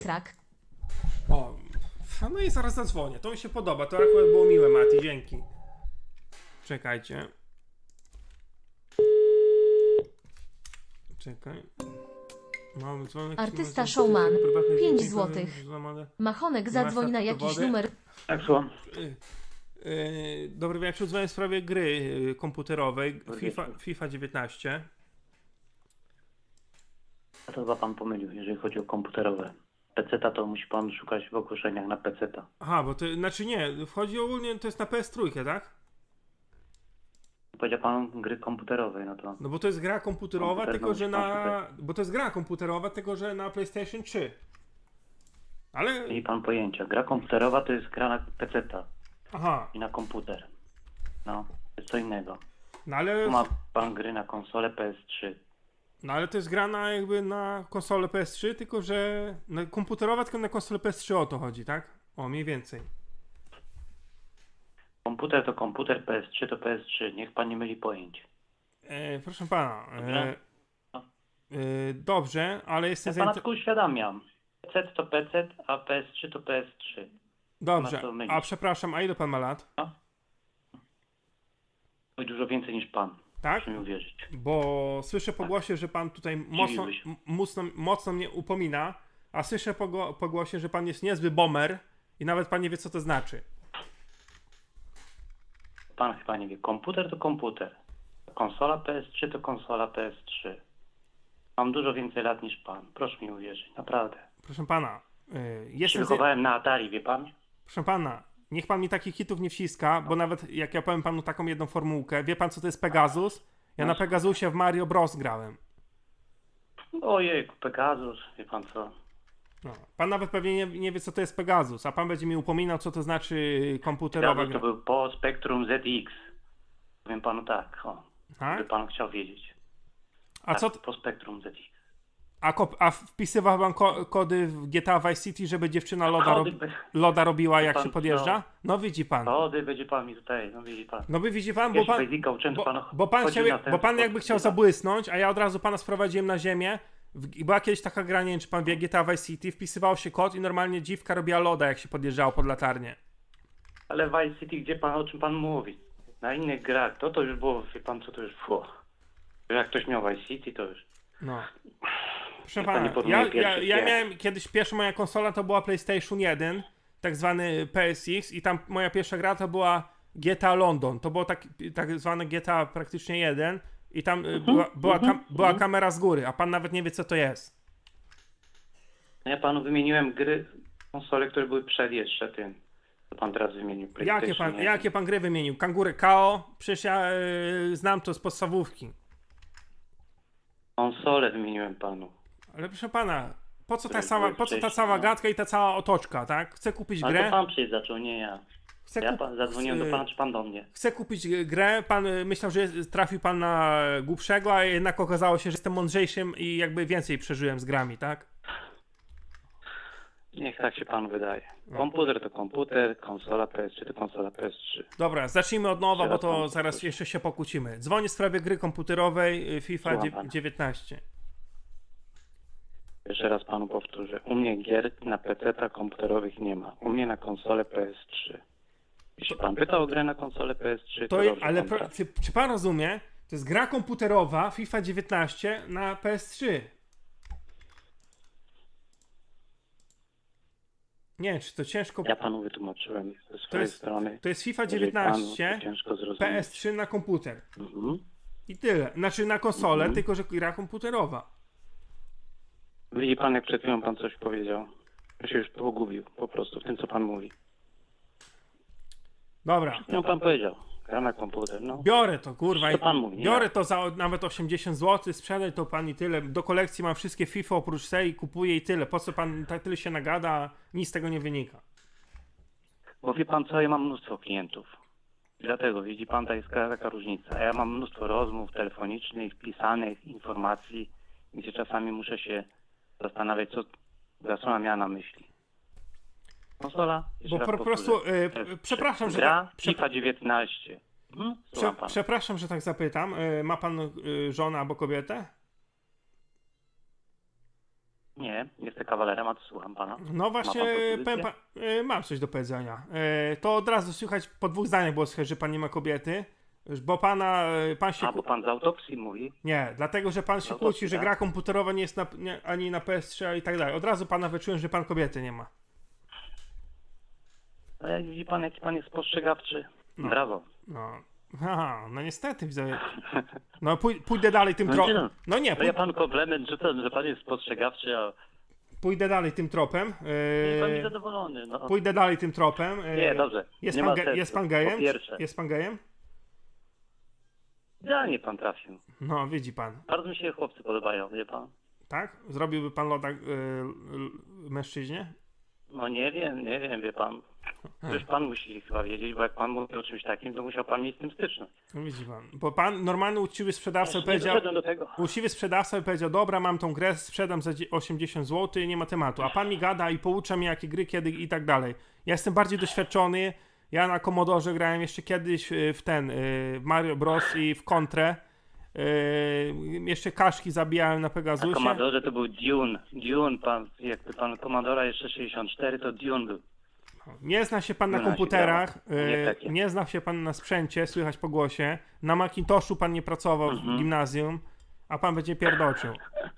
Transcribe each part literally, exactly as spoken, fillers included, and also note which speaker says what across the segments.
Speaker 1: Trak.
Speaker 2: O, no i zaraz zadzwonię. To mi się podoba. To akurat było miłe, Mati. Dzięki. Czekajcie. Czekaj. Mamy dzwonek.
Speaker 1: Artysta Showman. pięć złotych. Machonek zadzwoń na jakiś numer.
Speaker 3: Tak, słucham.
Speaker 2: Yy, dobry wieczór, dzwonię w sprawie gry yy, komputerowej FIFA, FIFA dziewiętnaście.
Speaker 3: A to chyba pan pomylił, jeżeli chodzi o komputerowe. Peceta to musi pan szukać w ogłoszeniach na peceta.
Speaker 2: Aha, bo to znaczy nie, wchodzi ogólnie, to jest na P S trzy, tak?
Speaker 3: Powiedział pan gry komputerowej, no to...
Speaker 2: No bo to jest gra komputerowa,
Speaker 3: Komputer,
Speaker 2: tylko
Speaker 3: no,
Speaker 2: że
Speaker 3: musi pan
Speaker 2: na... Bo to jest gra komputerowa, tylko że na PlayStation trzy. Ale...
Speaker 3: Nie ma pan pojęcia. Gra komputerowa to jest gra na peceta
Speaker 2: Aha,
Speaker 3: i na komputer. No, to jest co innego.
Speaker 2: no ale...
Speaker 3: Tu ma pan gry na konsolę P S trzy.
Speaker 2: No ale to jest gra na jakby na konsolę P S trzy, tylko że... Na komputerowa, tylko na konsolę P S trzy o to chodzi, tak? O, mniej więcej.
Speaker 3: Komputer to komputer, P S trzy to P S trzy. Niech pan nie myli pojęć.
Speaker 2: E, proszę pana... E,
Speaker 3: Dobrze?
Speaker 2: e, dobrze, ale jestem...
Speaker 3: Ja pana
Speaker 2: zainter-
Speaker 3: tylko uświadamiam. P C to P C, a P S trzy to P S trzy.
Speaker 2: Dobrze,
Speaker 3: ma co mylić.
Speaker 2: a przepraszam, a ile pan ma lat?
Speaker 3: Oj, dużo więcej niż pan.
Speaker 2: Tak?
Speaker 3: Proszę mi uwierzyć.
Speaker 2: Bo słyszę po głosie, że pan tutaj mocno,
Speaker 3: Dziwiłeś.
Speaker 2: m- mocno, mocno mnie upomina, a słyszę po, go, po głosie, że pan jest niezły bomber i nawet pan nie wie, co to znaczy.
Speaker 3: Pan chyba nie wie. Komputer to komputer. Konsola P S trzy to konsola P S trzy. Mam dużo więcej lat niż pan. Proszę mi uwierzyć. Naprawdę.
Speaker 2: Proszę pana, yy,
Speaker 3: Ja się
Speaker 2: jestem... Zje-
Speaker 3: wychowałem na Atari, wie pan?
Speaker 2: Proszę pana, niech pan mi takich hitów nie wciska, bo nawet jak ja powiem panu taką jedną formułkę, wie pan, co to jest Pegasus? Ja na Pegasusie w Mario Bros. Grałem.
Speaker 3: Ojej, Pegasus, wie pan co?
Speaker 2: No. Pan nawet pewnie nie, nie wie, co to jest Pegasus, a pan będzie mi upominał, co to znaczy komputerowa
Speaker 3: Pegasus
Speaker 2: gra.
Speaker 3: to był po Spectrum Z X. Powiem panu tak, o.
Speaker 2: Tak?
Speaker 3: Gdyby pan chciał wiedzieć.
Speaker 2: A
Speaker 3: Tak,
Speaker 2: co... t-
Speaker 3: po Spectrum Z X.
Speaker 2: A, kop- a wpisywał pan ko- kody w G T A Vice City, żeby dziewczyna loda,
Speaker 3: Kody,
Speaker 2: rob-
Speaker 3: be-
Speaker 2: loda robiła, jak
Speaker 3: pan
Speaker 2: się podjeżdża?
Speaker 3: co?
Speaker 2: No widzi pan.
Speaker 3: Kody będzie pan mi tutaj, no widzi pan.
Speaker 2: No by widzi pan,
Speaker 3: Ja
Speaker 2: bo
Speaker 3: się
Speaker 2: pan,
Speaker 3: Basica uczyłem, to
Speaker 2: bo,
Speaker 3: pan
Speaker 2: bo pan,
Speaker 3: chodził
Speaker 2: chciał,
Speaker 3: na ten
Speaker 2: bo pan
Speaker 3: sport,
Speaker 2: jakby chciał
Speaker 3: wie pan.
Speaker 2: zabłysnąć, a ja od razu pana sprowadziłem na ziemię. W, była kiedyś taka gra, nie wiem, czy pan wie, G T A Vice City, wpisywało się kod i normalnie dziwka robiła loda, jak się podjeżdżało pod latarnię.
Speaker 3: Ale Vice City, gdzie pan, o czym pan mówi? Na innych grach, to to już było, wie pan co to już było. Jak ktoś miał Vice City, to już...
Speaker 2: No. Proszę
Speaker 3: Niech pan nie
Speaker 2: pana,
Speaker 3: porównuje
Speaker 2: ja, ja,
Speaker 3: pierwszych
Speaker 2: ja
Speaker 3: gier.
Speaker 2: miałem kiedyś, pierwsza moja konsola to była PlayStation jeden, tak zwany P S X i tam moja pierwsza gra to była G T A London. To było tak, tak zwane G T A praktycznie jeden i tam y, była, była, kam, była kamera z góry, a pan nawet nie wie, co to jest.
Speaker 3: Ja panu wymieniłem gry, konsole, które były przed jeszcze tym, co pan teraz wymienił. PlayStation
Speaker 2: Jakie pan,
Speaker 3: jeden.
Speaker 2: jakie pan gry wymienił? Kangury K O? Przecież ja y, znam to z podstawówki.
Speaker 3: Konsole wymieniłem panu.
Speaker 2: Ale proszę pana, po co ta
Speaker 3: Które
Speaker 2: cała,
Speaker 3: były
Speaker 2: po co ta
Speaker 3: wcześniej,
Speaker 2: cała
Speaker 3: no.
Speaker 2: gadka i ta cała otoczka, tak? Chcę kupić
Speaker 3: Ale
Speaker 2: grę.
Speaker 3: to pan przecież zaczął, nie ja.
Speaker 2: Chcę
Speaker 3: Ja
Speaker 2: kup-
Speaker 3: pan, zadzwoniłem do
Speaker 2: y,
Speaker 3: pana, czy pan do mnie?
Speaker 2: Chcę kupić grę, pan y, myślał, że jest- trafił pan na głupszego, a jednak okazało się, że jestem mądrzejszym i jakby więcej przeżyłem z grami, tak?
Speaker 3: Niech tak się panu wydaje.
Speaker 2: No.
Speaker 3: Komputer to komputer, konsola P S trzy to konsola P S trzy.
Speaker 2: Dobra, zacznijmy od nowa, bo
Speaker 3: Teraz
Speaker 2: to
Speaker 3: pan-
Speaker 2: zaraz jeszcze się pokłócimy. Dzwonię w sprawie gry komputerowej y, FIFA
Speaker 3: Słucham
Speaker 2: dzie-
Speaker 3: pana.
Speaker 2: dziewiętnaście.
Speaker 3: Jeszcze raz panu powtórzę. U mnie gier na pecetach komputerowych nie ma. U mnie na konsolę P S trzy. Jeśli pan pytał o grę na konsolę P S trzy, to,
Speaker 2: To,
Speaker 3: dobrze
Speaker 2: ale
Speaker 3: pan
Speaker 2: pro,
Speaker 3: trafi.
Speaker 2: czy, czy pan rozumie? To jest gra komputerowa FIFA dziewiętnaście na P S trzy. Nie, czy to ciężko...
Speaker 3: Ja panu wytłumaczyłem ze swojej
Speaker 2: jest-
Speaker 3: strony.
Speaker 2: To jest FIFA
Speaker 3: Jeżeli panu
Speaker 2: dziewiętnaście,
Speaker 3: to ciężko zrozumieć.
Speaker 2: P S trzy na komputer.
Speaker 3: Mhm.
Speaker 2: I tyle. Znaczy na konsolę,
Speaker 3: Mhm.
Speaker 2: tylko że gra komputerowa.
Speaker 3: Widzi pan, jak przed chwilą pan coś powiedział. Ja się już pogubił po prostu w tym, co pan mówi.
Speaker 2: Dobra.
Speaker 3: No pan powiedział. Gra na komputer, no.
Speaker 2: Biorę to, kurwa.
Speaker 3: Co
Speaker 2: i-
Speaker 3: pan mówi, nie
Speaker 2: Biorę
Speaker 3: ja.
Speaker 2: to za nawet osiemdziesiąt złotych, sprzedaj to pan i tyle. Do kolekcji mam wszystkie FIFA oprócz tej, kupuję i tyle. Po co pan tak tyle się nagada, nic z tego nie wynika.
Speaker 3: Bo wie pan co, ja mam mnóstwo klientów. Dlatego, widzi pan, to jest taka różnica. Ja mam mnóstwo rozmów telefonicznych, pisanych, informacji, gdzie czasami muszę się zastanawiać, co ta strona miała na myśli. Konsola? Jeszcze
Speaker 2: Bo
Speaker 3: raz
Speaker 2: po
Speaker 3: powtórzę.
Speaker 2: prostu, e,
Speaker 3: To jest
Speaker 2: przepraszam, że
Speaker 3: gra
Speaker 2: tak- przep-
Speaker 3: FIFA dziewiętnaście. Hmm?
Speaker 2: Prze,
Speaker 3: Słucham pana.
Speaker 2: przepraszam, że tak zapytam. E, Ma pan e, żonę albo kobietę?
Speaker 3: Nie, jestem kawalerem, a to słucham pana.
Speaker 2: No właśnie,
Speaker 3: Ma pan propozycję?
Speaker 2: powiem pa, e, mam coś do powiedzenia. E, to od razu słychać, po dwóch zdaniach było słychać, że pan nie ma kobiety, bo pana, e, pan się...
Speaker 3: A, bo pan z autopsji mówi?
Speaker 2: Nie, dlatego, że pan się
Speaker 3: Autopsji,
Speaker 2: kłóci, że
Speaker 3: tak?
Speaker 2: gra komputerowa nie jest na, nie, ani na P S trzy i tak dalej. Od razu pana wyczułem, że pan kobiety nie ma.
Speaker 3: No jak widzi pan, jaki pan jest spostrzegawczy.
Speaker 2: No.
Speaker 3: Brawo.
Speaker 2: No, aha, no niestety, widzę. No pój, pójdę dalej tym
Speaker 3: No,
Speaker 2: tropem.
Speaker 3: nie no.
Speaker 2: No nie,
Speaker 3: To
Speaker 2: pój,
Speaker 3: ja panu komplement rzucam, że pan jest spostrzegawczy, a
Speaker 2: pójdę dalej tym tropem.
Speaker 3: jest pan
Speaker 2: E,
Speaker 3: niezadowolony. No.
Speaker 2: pójdę dalej tym tropem. E,
Speaker 3: Nie, dobrze.
Speaker 2: Jest,
Speaker 3: Nie
Speaker 2: pan,
Speaker 3: ma
Speaker 2: ge,
Speaker 3: sensu.
Speaker 2: jest pan
Speaker 3: Po
Speaker 2: gejem?
Speaker 3: pierwsze.
Speaker 2: Jest pan gejem?
Speaker 3: Idealnie pan trafił.
Speaker 2: No, widzi pan.
Speaker 3: Bardzo mi się chłopcy podobają, wie pan?
Speaker 2: Tak? Zrobiłby pan loda y, y, mężczyźnie?
Speaker 3: No nie wiem, nie wiem, wie pan. Przecież pan musi chyba wiedzieć, bo jak pan mówi o czymś takim, to musiał pan mieć z tym styczność.
Speaker 2: No widzi pan. Bo pan, normalny uczciwy sprzedawca by
Speaker 3: Nie
Speaker 2: powiedział,
Speaker 3: doszedłem do tego.
Speaker 2: uczciwy sprzedawca by powiedział, dobra, mam tą grę, sprzedam za dzie- osiemdziesiąt złotych, nie ma tematu. A pan mi gada i poucza mnie, jakie gry, kiedy i tak dalej. Ja jestem bardziej doświadczony. Ja na Commodore grałem jeszcze kiedyś y, w ten, y, w Mario Bros. I w Kontrę. Y, jeszcze kaszki zabijałem na
Speaker 3: Na
Speaker 2: Pegasusie.
Speaker 3: Commodore to był Dune. Dune, pan, jakby pan Commodore jeszcze sześćdziesiąt cztery, to Dune był.
Speaker 2: Nie zna się pan na
Speaker 3: No, nasi
Speaker 2: komputerach,
Speaker 3: działa. Nie
Speaker 2: y,
Speaker 3: takie.
Speaker 2: nie zna się pan na sprzęcie, słychać po głosie. Na Macintoshu pan nie pracował
Speaker 3: Mhm.
Speaker 2: w gimnazjum, a pan będzie pierdoczył.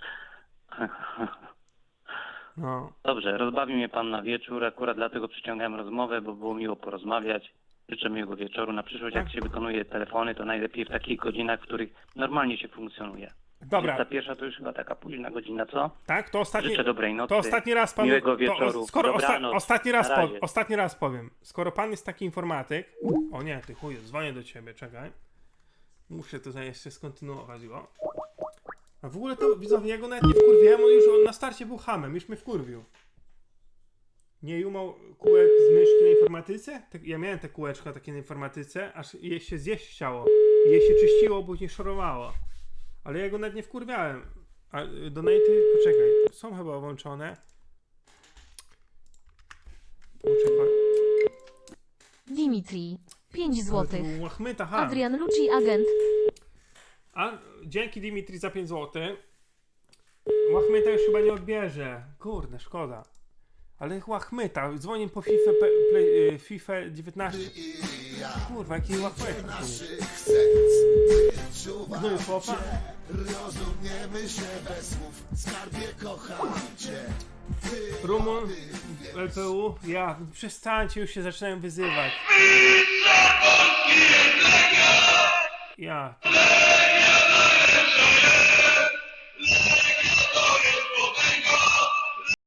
Speaker 2: No.
Speaker 3: Dobrze, rozbawi mnie pan na wieczór, akurat dlatego przyciągałem rozmowę, bo było miło porozmawiać. Życzę miłego wieczoru. Na przyszłość, jak
Speaker 2: Tak.
Speaker 3: się wykonuje telefony, to najlepiej w takich godzinach, w których normalnie się funkcjonuje.
Speaker 2: Dobra,
Speaker 3: Ta pierwsza to już chyba taka późna godzina, co?
Speaker 2: tak? To ostatni,
Speaker 3: Życzę dobrej nocy.
Speaker 2: to ostatni raz panu...
Speaker 3: miłego
Speaker 2: to,
Speaker 3: wieczoru.
Speaker 2: skoro osta,
Speaker 3: Dobranoc.
Speaker 2: ostatni, raz
Speaker 3: Na
Speaker 2: po,
Speaker 3: razie.
Speaker 2: ostatni raz powiem. Skoro pan jest taki informatyk... O nie, ty chuju, dzwonię do ciebie, czekaj. Muszę tutaj jeszcze skontynuować go. A w ogóle to, widzowie, ja go nawet nie wkurwiłem, on już on na starcie był hamem, już mnie wkurwił. Nie jumał kółek z myszki na informatyce? Tak, ja miałem te kółeczka takie na informatyce, aż je się zjeść chciało. I je się czyściło, później szorowało. Ale ja go nawet nie wkurwiałem. A y, donaty, poczekaj, są chyba włączone. Poczekaj.
Speaker 1: Dimitri. pięć złotych.
Speaker 2: Łachmyta, ha.
Speaker 1: Adrian Lucci, agent.
Speaker 2: A dzięki Dimitri za pięć złotych. Łachmyta już chyba nie odbierze. Kurde, szkoda. Ale Łachmyta, dzwonię po FIFA, pe, play, y, FIFA dziewiętnaście. Kurwa, jaki Łachmyta. No i chłopa.
Speaker 4: Rozumiemy się bez słów, skarbie kocham cię.
Speaker 2: Rumun, L P U, ja, przestańcie, już się zaczynają wyzywać. Ja.